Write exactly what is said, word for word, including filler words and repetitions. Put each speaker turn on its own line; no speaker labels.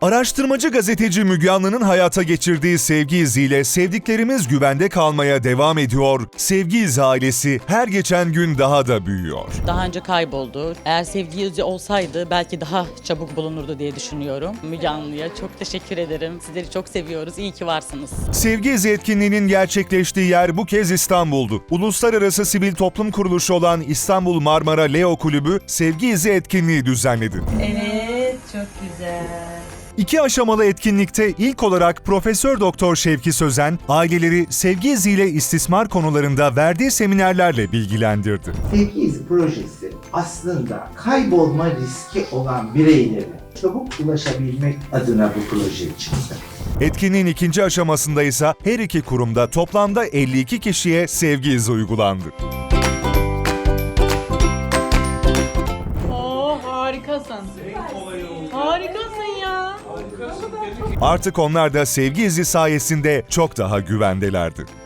Araştırmacı gazeteci Müge Anlı'nın hayata geçirdiği Sevgi İzi'yle sevdiklerimiz güvende kalmaya devam ediyor. Sevgi İzi ailesi her geçen gün daha da büyüyor.
Daha önce kayboldu. Eğer Sevgi İzi olsaydı belki daha çabuk bulunurdu diye düşünüyorum. Müge Anlı'ya çok teşekkür ederim. Sizleri çok seviyoruz. İyi ki varsınız.
Sevgi İzi etkinliğinin gerçekleştiği yer bu kez İstanbul'du. Uluslararası sivil toplum kuruluşu olan İstanbul Marmara Leo Kulübü Sevgi İzi etkinliği düzenledi.
Evet, çok güzel.
İki aşamalı etkinlikte ilk olarak Profesör Doktor Şevki Sözen, aileleri Sevgi İzi ile istismar konularında verdiği seminerlerle bilgilendirdi.
Sevgi İzi projesi aslında kaybolma riski olan bireylere çabuk ulaşabilmek adına bu proje çıktı.
Etkinliğin ikinci aşamasında ise her iki kurumda toplamda elli iki kişiye Sevgi İzi uygulandı.
Oo, harikasın. Harikasın ya.
Artık onlar da Sevgi İzi sayesinde çok daha güvendelerdi.